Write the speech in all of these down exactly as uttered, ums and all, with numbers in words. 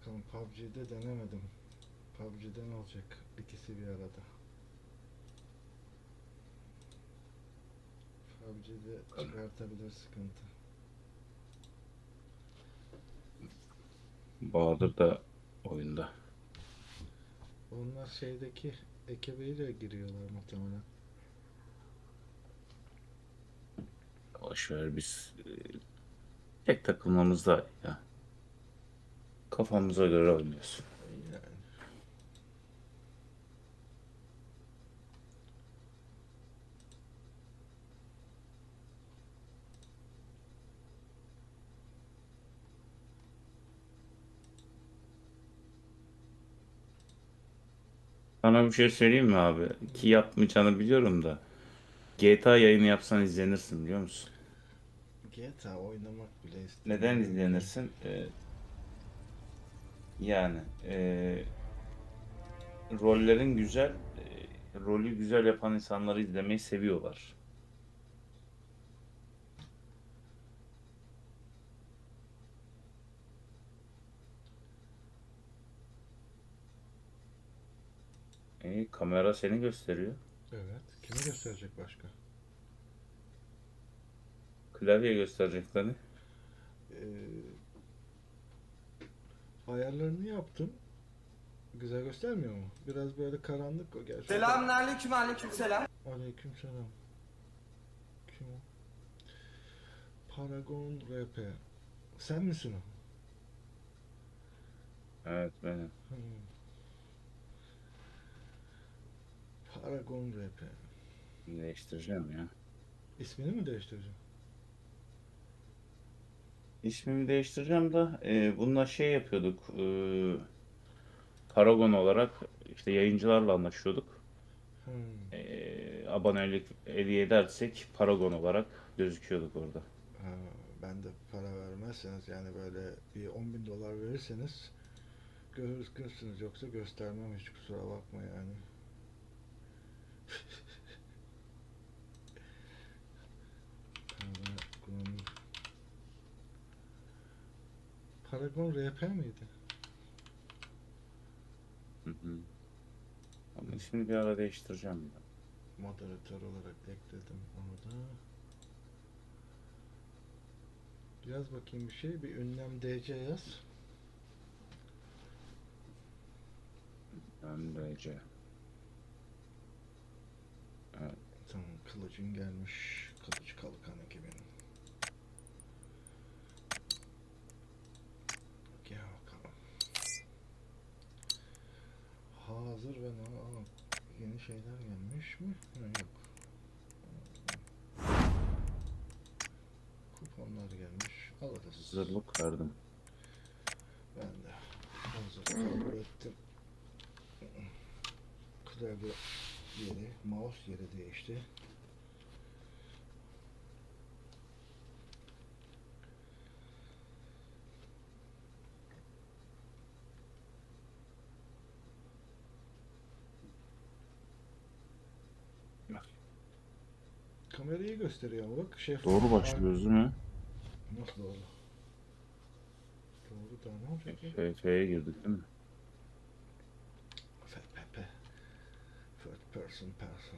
Bakalım P U B G'de denemedim. P U B G'de ne olacak? İkisi bir arada. P U B G'de çıkartabilir sıkıntı. Bahadır da oyunda. Onlar şeydeki ekibiyle giriyorlar muhtemelen. Boşver biz e, tek takılmamızda ya. Kafamıza göre oynuyoruz. Yani. Sana bir şey söyleyeyim mi abi? Ki yapmayacağını biliyorum da. G T A yayını yapsan izlenirsin biliyor musun? G T A oynamak bile Neden istemiyorum ki. izlenirsin? Ee, yani e, rollerin güzel, e, rolü güzel yapan insanları izlemeyi seviyorlar. E, kamera seni gösteriyor. Evet. Kimi gösterecek başka? Klavye gösterecek seni. Ee, ayarlarını yaptım. Güzel göstermiyor mu? Biraz böyle karanlık o gerçi. Selamünaleyküm, aleykümselam. Aleykümselam. Kim o? Paragon R P. Sen misin o? Evet benim. Hmm. Paragon R P. Değiştireceğim ya. İsmini mi değiştireceğim? İsmimi değiştireceğim de e, bununla şey yapıyorduk. E, Paragon olarak işte yayıncılarla anlaşıyorduk. Hmm. E, abonelik hediye edersek Paragon olarak gözüküyorduk orada. Ha, ben de para vermezseniz yani böyle bir on bin dolar verirseniz görürsünüz, yoksa göstermem, hiç kusura bakma yani. Paragon, Paragon R P miydi? Hı hı. Ama ismini bir ara değiştireceğim ya. Moderatör olarak ekledim onu da. Yaz bakayım bir şey. Bir ünlem D C yaz. Önce. Evet. Tamam, kılıcın gelmiş. Kılıç kalkan ekibinin. Gel bakalım. Hazır ve na Aa, yeni şeyler gelmiş mi? Ha, yok. Kuponlar gelmiş. Alırız. Hazırlık verdim. Ben de hazır kabul ettim. Klavye yeri, mouse yeri değişti. Kamerayı gösteriyor ama bak şef. Doğru başlıyoruz değil mi? Nasıl doğru? Doğru da ne olacak ya? F F'ye girdik değil mi? F P P. First person person.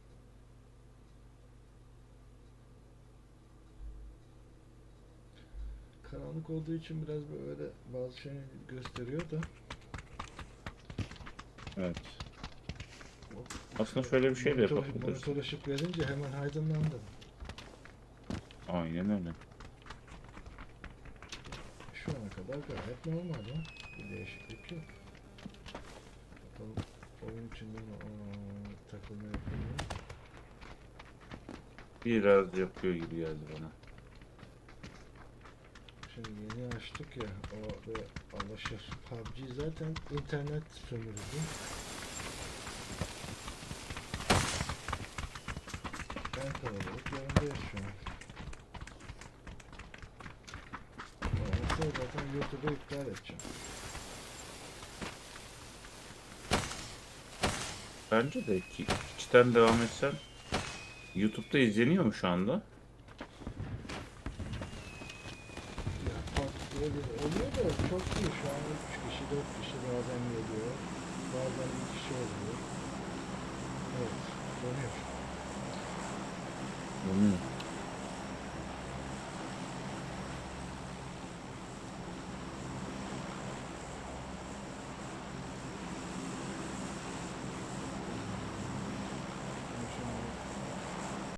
Karanlık olduğu için biraz böyle bazı şey gösteriyor da. Evet. Hop. Aslında şöyle bir şey de Monitör, yapabiliriz. monitör ışık verince hemen aydınlandı. Aynen öyle. Şu ana kadar gayet normal ya. Bir değişiklik yok. Bakalım oyun içinde aa, takılma yapıyor mu? Biraz yapıyor gibi geldi bana. Şimdi yeni açtık ya, o ve alışır. P U B G zaten internet sömürücü. Ben kalabalık yanındayız şu an. Olmazsa zaten YouTube'u iptal edeceğim. Bence de ki içten devam etsen YouTube'da izleniyor mu şu anda? Ya P U B G diye bir oluyor da çok iyi, şu an üç kişi, dört kişi bazen geliyor. Bazen bir kişi oluyor. Evet, dönüyor. Dönüyor.